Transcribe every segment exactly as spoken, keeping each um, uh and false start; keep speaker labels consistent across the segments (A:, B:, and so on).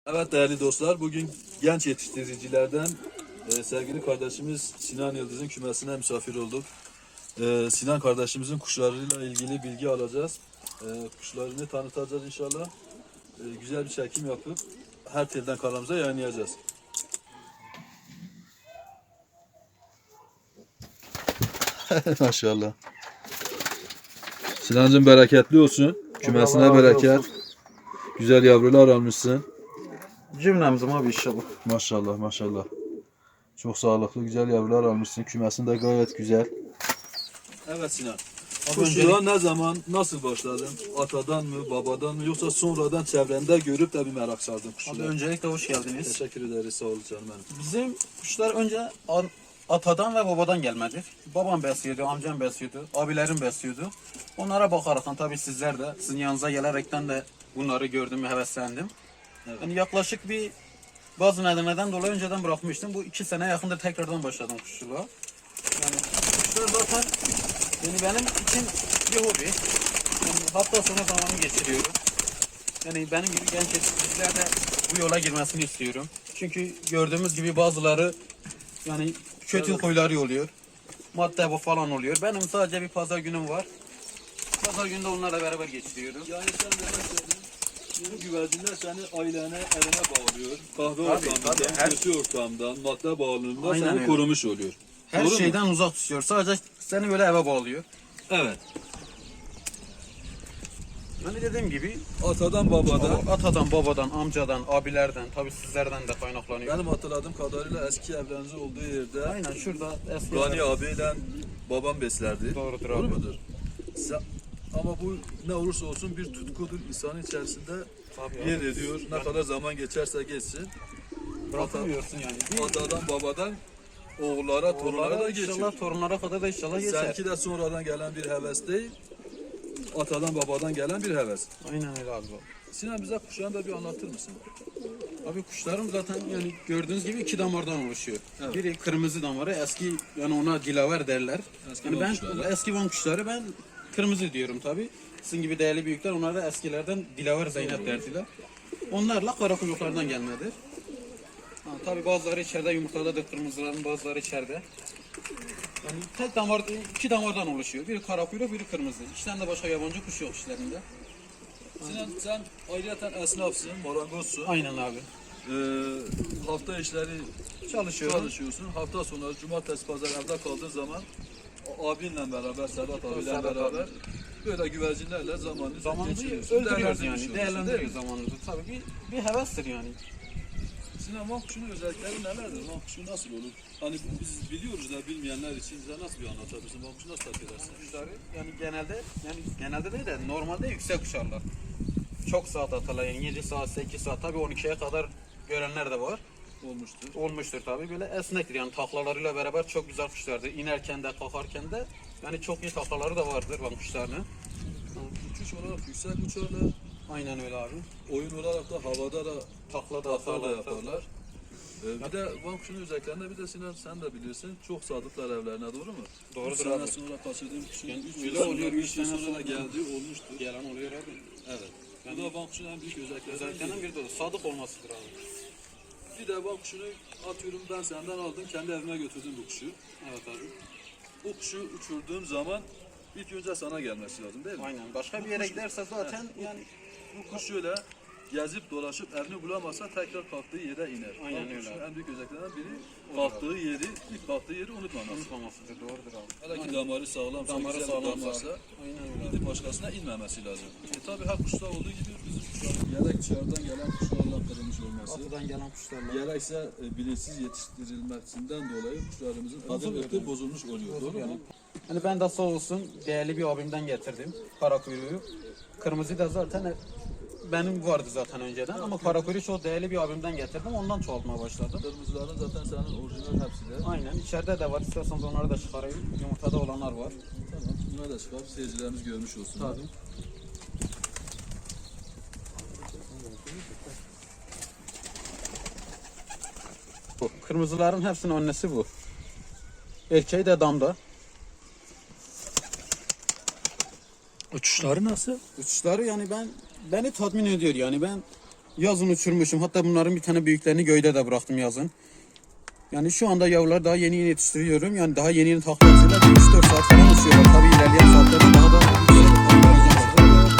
A: Evet değerli dostlar, bugün genç yetiştiricilerden e, sevgili kardeşimiz Sinan Yıldız'ın kümesine misafir olduk. E, Sinan kardeşimizin kuşlarıyla ilgili bilgi alacağız. E, kuşlarını tanıtacağız inşallah. E, güzel bir çekim yapıp her telden kanalımıza yayınlayacağız. Maşallah. Sinancığım bereketli olsun. Kümesine
B: Allah razı
A: bereket.
B: olsun.
A: Güzel yavrular almışsın.
B: Cümlemizim abi inşallah.
A: Maşallah maşallah. Çok sağlıklı güzel yavrular almışsın. Kümesin de gayet güzel. Evet Sinan. Kuşçuluğa ne zaman, nasıl başladın? Atadan mı, babadan mı yoksa sonradan çevrende görüp de bir merak sardın
B: Abi
A: kuşçuluğa?
B: öncelikle hoş geldiniz.
A: Teşekkür ederiz, sağ ol canım benim.
B: Bizim kuşlar önce an- atadan ve babadan gelmedir. Babam besliyordu, amcam besliyordu, abilerim besliyordu. Onlara bakaraktan tabii sizler de sizin yanınıza gelerekten de bunları gördüm ve heveslendim.
A: Evet.
B: Yani yaklaşık bir bazı nedenlerden dolayı önceden bırakmıştım. Bu iki sene yakındır tekrardan başladım kuşçuluğa. Yani kuşlar zaten yani benim için bir hobi. Yani hafta sonu zamanı geçiriyorum. Yani benim gibi genç yetiştiriciler de bu yola girmesini istiyorum. Çünkü gördüğümüz gibi bazıları yani kötü
A: Evet.
B: huyları oluyor. Madde bu falan oluyor. Benim sadece bir pazar günüm var. Pazar günde onlarla beraber geçiriyorum.
A: Yani sen demek istedin, bu güvercinler seni ailene, evine bağlıyor. Kahve
B: Tabii,
A: ortamından,
B: tabii, her-
A: kötü ortamdan, madde bağımlılığından
B: Aynen
A: seni
B: öyle.
A: korumuş oluyor.
B: Her
A: Doğru mu?
B: şeyden uzak tutuyor. Sadece seni böyle eve bağlıyor.
A: Evet.
B: Yani dediğim gibi
A: Atadan babadan.
B: atadan, babadan, amcadan, abilerden, tabii sizlerden de kaynaklanıyor.
A: Benim hatırladığım kadarıyla eski evlerinizin olduğu yerde
B: Aynen şurada eski
A: Gani abiyle babam beslerdi.
B: Doğrudur
A: Doğru
B: abi.
A: mudur? Sen- ama bu ne olursa olsun bir tutkudur insanın içerisinde
B: Tabii abi.
A: yer ediyor. Ne kadar zaman geçerse geçsin.
B: Bırakamıyorsun yani. Bir
A: Atadan babadan oğullara, torunlara da
B: Torunlara
A: geçiyor.
B: inşallah torunlara kadar da inşallah geçer.
A: Seninki de sonradan gelen bir heves değil. Atadan babadan gelen bir heves.
B: Aynen öyle abi.
A: Sinan bize kuşağını da bir anlatır mısın?
B: Abi kuşlarım zaten yani gördüğünüz gibi iki damardan oluşuyor.
A: Evet.
B: Biri kırmızı damarı, eski yani ona dilaver derler.
A: Eski
B: yani
A: Van
B: ben
A: kuşları.
B: eski Van kuşları ben kırmızı diyorum tabi. Sizin gibi değerli büyükler onlar da eskilerden dilaver Zeynep derdiler. Onlarla kara kuyruklardan gelmedir. Ha, tabi bazıları içeride yumurtadadır kırmızıların, bazıları içeride. Yani tek damar, iki damardan oluşuyor. Biri kara kuyruk, biri kırmızı. İki tane de başka yabancı kuş yok işlerinde.
A: Sinan sen ayrıca esnafsın, marangozsun.
B: Aynen abi.
A: Ee, hafta işleri
B: Çalışıyorum.
A: çalışıyorsun. Hafta sonları cumartesi pazar evde kaldığın zaman o abinle beraber, Sedat abiyle
B: Sedat
A: beraber
B: abi.
A: böyle güvercinlerle zamanını
B: Zamanımızı
A: geçiriyorsun.
B: öldürüyoruz
A: Değerlendirmiş
B: yani.
A: oluyorsun,
B: Değerlendiriyoruz
A: değil mi?
B: zamanımızı. Tabii bir, bir hevestir yani.
A: Sinan Vankuş'un özellikleri nelerdir? Vankuş'u nasıl olur? Hani biz biliyoruz da bilmeyenler için bize nasıl bir anlatabilirsin? Vankuş'u nasıl takip edersin?
B: Kuşları yani genelde yani genelde değil de normalde yüksek uçarlar. Çok saat atarlar yani yedi saat sekiz saat tabii on ikiye kadar görenler de var.
A: Olmuştur.
B: Olmuştur tabii böyle esnektir yani taklalarıyla beraber çok güzel kuşlardır. İnerken de kalkarken de yani çok iyi taklaları da vardır van kuşlarının.
A: Uçuş olarak yüksek uçarlar.
B: Aynen öyle abi.
A: Oyun olarak da havada da
B: Takla da
A: takla da
B: atarlar.
A: yaparlar. Ee, bir de Vankuş'un özelliklerinde bir de Sinan sen de bilirsin çok sadıklar evlerine, doğru mu?
B: Doğrudur
A: üç sene
B: abi.
A: sonra kaçırdığım kuşun
B: Yani
A: üç
B: öyle
A: yıl sonra,
B: oluyor,
A: üç
B: üç
A: yıl
B: sene
A: sonra da
B: sonra.
A: geldiği olmuştur.
B: Gelen oluyor abi.
A: Evet. Bu da Vankuş'un en büyük özelliklerinden
B: Özelliklerinden
A: biri.
B: biri de o. Sadık olmasıdır abi.
A: Bir de Vankuş'unu atıyorum ben senden aldım kendi evime götürdüm bu kuşu.
B: Evet abi.
A: Bu kuşu uçurduğum zaman ilk önce sana gelmesi lazım değil mi?
B: Aynen. Başka bir yere giderse zaten yani
A: Bu kuş şöyle gezip dolaşıp evini bulamazsa tekrar kalktığı yere iner.
B: Aynen
A: Vankuş'un
B: öyle.
A: en büyük özelliklerinden biri kalktığı yeri, ilk kalktığı yeri unutmaması.
B: unutmamasıdır. Doğrudur abi.
A: Hele ki damarı sağlamsa,
B: Damarı
A: güzel bir
B: sağlamsa.
A: damarsa
B: Aynen öyle.
A: gidip başkasına inmemesi lazım. E tabi her kuşta olduğu gibi bizim kuşların gerek dışarıdan gelen kuşlarla kırılmış olması,
B: Batıdan gelen kuşlarla.
A: gerekse e, bilinçsiz yetiştirilmesinden dolayı kuşlarımızın adı
B: Bozuluyor
A: ırkı
B: yani.
A: bozulmuş oluyor. Doğru
B: Yani.
A: mu?
B: Hani ben de sağ olsun değerli bir abimden getirdim kara kuyruğu. Kırmızı da zaten benim vardı zaten önceden ama kara kuyruğu çok değerli bir abimden getirdim ondan çoğaltmaya başladım.
A: Kırmızıların zaten senin orijinal hepsi de.
B: Aynen içeride de var isterseniz onları da çıkarayım. Yumurtada olanlar var.
A: Tamam. Buna da çıkar. Seyircilerimiz görmüş olsun.
B: Tabii. Bu kırmızıların hepsinin annesi bu. Erkeği de damda.
C: Uçuşları nasıl?
B: Uçuşları yani ben beni tatmin ediyor yani ben yazın uçurmuşum. Hatta bunların bir tane büyüklerini göyde de bıraktım yazın. Yani şu anda yavrular daha yeni yeni yetiştiriyorum. Yani daha yeni yeni takla atıyorlar. üç dört saat falan uçuyorlar. Tabii ilerleyen saatlerde daha da yüksek takla atacaklar.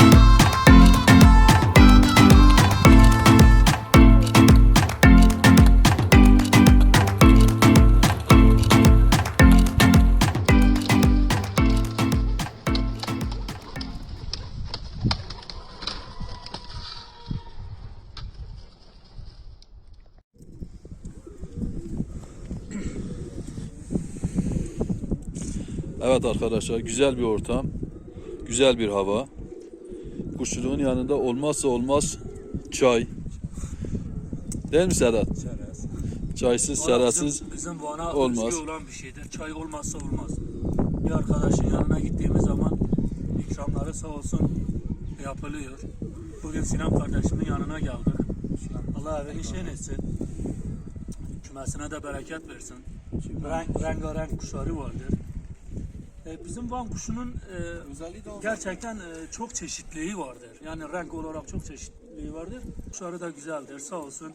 A: Evet arkadaşlar, güzel bir ortam, güzel bir hava. Kuşçuluğun yanında olmazsa olmaz çay. Değil mi Sedat?
C: Çerez.
A: Çaysız,
C: Valla
A: serasız
C: bizim, bizim Van'a
A: olmaz.
C: özgü olan bir şeydir. Çay olmazsa olmaz. Bir arkadaşın yanına gittiğimiz zaman ikramları sağ olsun yapılıyor. Bugün Sinan kardeşimin yanına geldik. Allah evini şen etsin. Kümesine de bereket versin. Renk, rengarenk kuşları vardır. E, bizim Van kuşunun e,
B: Özelliği de o.
C: gerçekten e, çok çeşitliliği vardır. Yani renk olarak çok çeşitliliği vardır. Kuşları da güzeldir. Sağ olsun.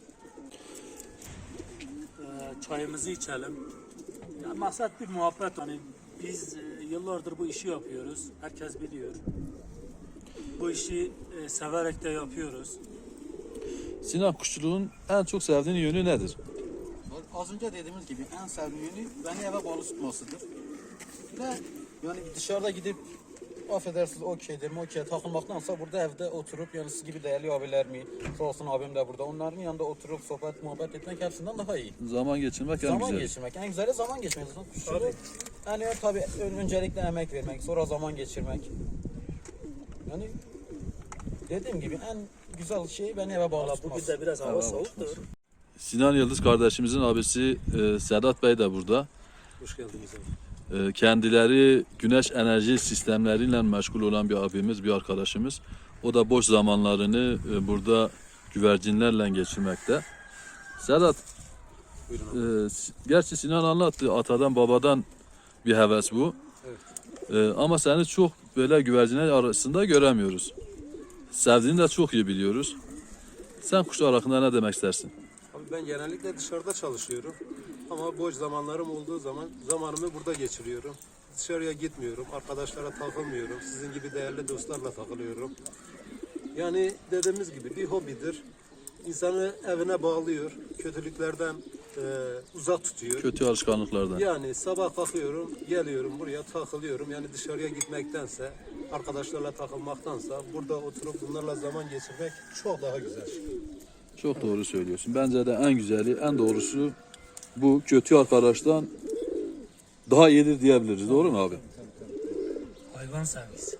C: E, çayımızı içelim. Ya, maksat bir muhabbet. Hani biz e, yıllardır bu işi yapıyoruz. Herkes biliyor. Bu işi e, severek de yapıyoruz.
A: Sinan, kuşçuluğun en çok sevdiğin yönü nedir?
B: Az önce dediğimiz gibi en sevdiğim yönü beni eve bağlı tutmasıdır. Ve yani dışarıda gidip affedersiniz okeydir, okey takılmaktansa burada evde oturup yani siz gibi değerli abilerimi, sağ olsun abim de burada, onların yanında oturup sohbet muhabbet etmek hepsinden daha iyi.
A: Zaman geçirmek en
B: Zaman
A: güzeli.
B: geçirmek, en güzeli zaman geçirmek. Kuşçuluğu yani tabii öncelikle emek vermek, sonra zaman geçirmek. Yani dediğim gibi en güzel şey beni eve bağlı
C: Valla
B: tutması.
C: bugün de biraz hava soğuktur.
A: Sinan Yıldız kardeşimizin abisi e, Sedat Bey de burada.
C: Hoş geldiniz abi.
A: E, kendileri güneş enerji sistemleriyle meşgul olan bir abimiz, bir arkadaşımız. O da boş zamanlarını e, burada güvercinlerle geçirmekte. Sedat, e, gerçi Sinan anlattı, atadan babadan bir heves bu. E, ama seni çok böyle güvercinler arasında göremiyoruz. Sevdiğini de çok iyi biliyoruz. Sen kuşlar hakkında ne demek istersin?
D: Abi ben genellikle dışarıda çalışıyorum. Ama boş zamanlarım olduğu zaman zamanımı burada geçiriyorum. Dışarıya gitmiyorum, arkadaşlara takılmıyorum. Sizin gibi değerli dostlarla takılıyorum. Yani dediğimiz gibi bir hobidir. İnsanı evine bağlıyor, kötülüklerden e, uzak tutuyor.
A: Kötü alışkanlıklardan.
D: Yani sabah kalkıyorum, geliyorum buraya takılıyorum. Yani dışarıya gitmektense, arkadaşlarla takılmaktansa burada oturup bunlarla zaman geçirmek çok daha güzel.
A: Çok doğru söylüyorsun. Bence de en güzeli, en doğrusu bu, kötü arkadaştan daha iyidir diyebiliriz. Doğru mu abi?
C: Hayvan sevgisi.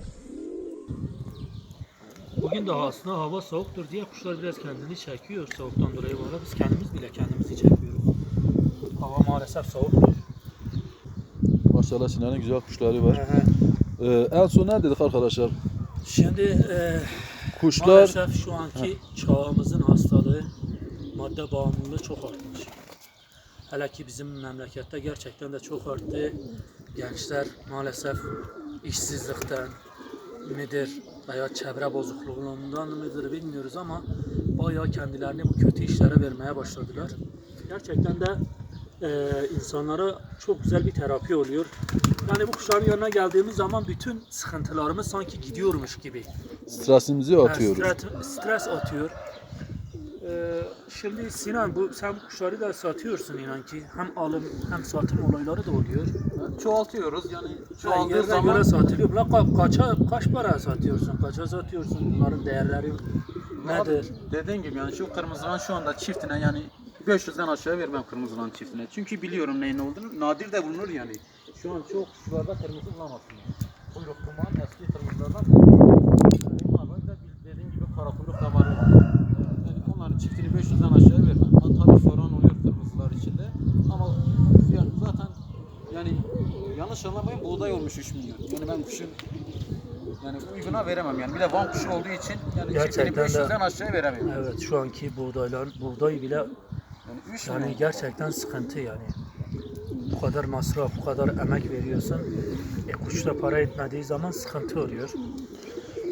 C: Bugün de aslında hava soğuktur diye kuşlar biraz kendini çekiyor soğuktan dolayı. Valla biz kendimiz bile kendimizi çekiyoruz. Hava maalesef soğuktur.
A: Maşallah Sinan'ın güzel kuşları var. Ee, en son ne dedik arkadaşlar?
C: Şimdi e,
A: Kuşlar
C: maalesef şu anki çağımızın hastalığı, madde bağımlılığı çok artmış. Hele ki bizim memlekette gerçekten de çok arttı. Gençler maalesef işsizlikten midir veya çevre bozukluğundan mıdır bilmiyoruz ama bayağı kendilerini bu kötü işlere vermeye başladılar. Gerçekten de e, insanlara çok güzel bir terapi oluyor. Yani bu kuşların yanına geldiğimiz zaman bütün sıkıntılarımız sanki gidiyormuş gibi.
A: stresimizi atıyoruz.
C: Yani stres, stres atıyor. Ee, şimdi Sinan, bu sen bu kuşları da satıyorsun inan ki. Hem alım hem satım olayları da oluyor.
B: Çoğaltıyoruz yani
C: Yani
B: çoğaldığı
C: yerine
B: zaman
C: göre satılıyor. Lan ka- kaça, kaç para satıyorsun? Kaça satıyorsun? Bunların değerleri nedir?
B: dediğim gibi yani şu kırmızılan şu anda çiftine yani beş yüzden aşağı vermem kırmızılan çiftine. Çünkü biliyorum neyin olduğunu. Nadir de bulunur yani. Şu an çok kuşlarda kırmızı bulamazsın. Kuyruk kuman eski kırmızılardan. Bunlar da dediğim gibi kara kuyruk da var. Yani onların çiftini beş yüzden aşağı vermem. Ha, tabii soran oluyor kırmızılar içinde. Ama yani zaten yani yanlış anlamayın buğday olmuş üç milyon. Yani ben kuşun yani uyguna veremem yani. Bir de Van kuşu olduğu için yani
C: Gerçekten
B: çiftini beş yüzden
C: de-
B: aşağı veremiyorum.
C: Evet, şu anki buğdaylar, buğday bile
B: Yani üç
C: yani
B: milyon.
C: gerçekten sıkıntı yani. Bu kadar masraf, bu kadar emek veriyorsun. E, kuşta para etmediği zaman sıkıntı oluyor.
B: Bunu da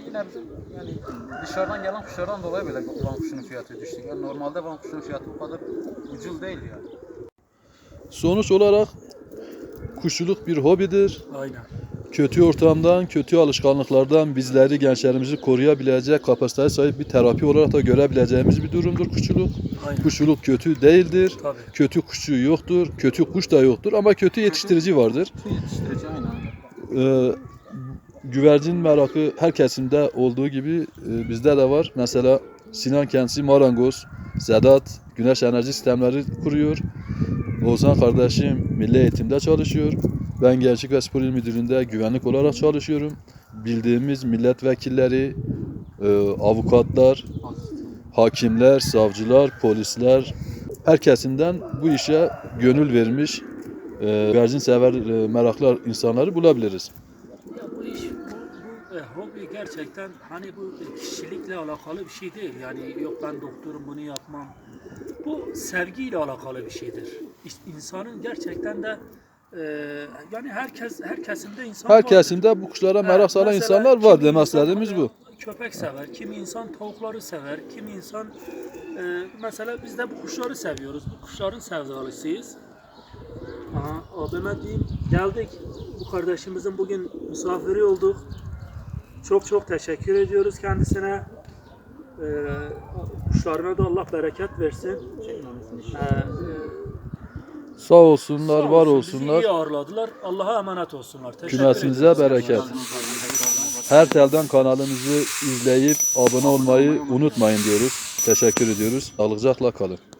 B: yine bizim yani dışarıdan gelen kuşlardan dolayı böyle van kuşunun fiyatı düştü. Yani normalde van kuşunun fiyatı bu kadar ucuz değil yani.
A: Sonuç olarak kuşçuluk bir hobidir.
C: Aynen.
A: Kötü ortamdan, kötü alışkanlıklardan bizleri, gençlerimizi koruyabilecek kapasiteye sahip bir terapi olarak da görebileceğimiz bir durumdur kuşçuluk.
C: Aynen.
A: Kuşçuluk kötü değildir.
C: Tabii.
A: Kötü kuşçu yoktur. Kötü kuş da yoktur ama kötü yetiştirici vardır.
B: Su yetiştirici aynen.
A: Ee, güvercin merakı her kesimde olduğu gibi e, bizde de var. Mesela Sinan kendisi marangoz, Sedat güneş enerji sistemleri kuruyor. Ozan kardeşim milli eğitimde çalışıyor. Ben Gençlik ve Spor İl Müdürlüğü'nde güvenlik olarak çalışıyorum. Bildiğimiz milletvekilleri, e, avukatlar, hakimler, savcılar, polisler her kesimden bu işe gönül vermiş e, güvercin sever e, meraklı insanları bulabiliriz.
C: Ya bu iş, bu, bu e, hobi gerçekten hani bu kişilikle alakalı bir şey değil. Yani yok ben doktorum bunu yapmam. Bu sevgiyle alakalı bir şeydir. İşte insanın gerçekten de e, yani herkes her kesimde insan
A: Her
C: vardır.
A: kesimde bu kuşlara merak
C: Evet,
A: saran
C: mesela
A: insanlar var
C: kimi
A: demek
C: insan
A: istediğimiz bu.
C: Köpek sever, kimi insan tavukları sever, kimi insan e, mesela biz de bu kuşları seviyoruz. Bu kuşların sevdalısıyız. Aha, abime diyeyim, geldik. Bu kardeşimizin bugün misafiri olduk. Çok çok teşekkür ediyoruz kendisine. Ee, kuşlarına da Allah bereket versin. Ee,
A: Sağ olsunlar,
C: sağ
A: var
C: olsun, bizi
A: olsunlar.
C: iyi ağırladılar. Allah'a emanet olsunlar. Teşekkür
A: Kümesinize
C: ediyoruz.
A: bereket. Her telden kanalımızı izleyip abone olmayı unutmayın diyoruz. Teşekkür ediyoruz. Sağlıcakla kalın.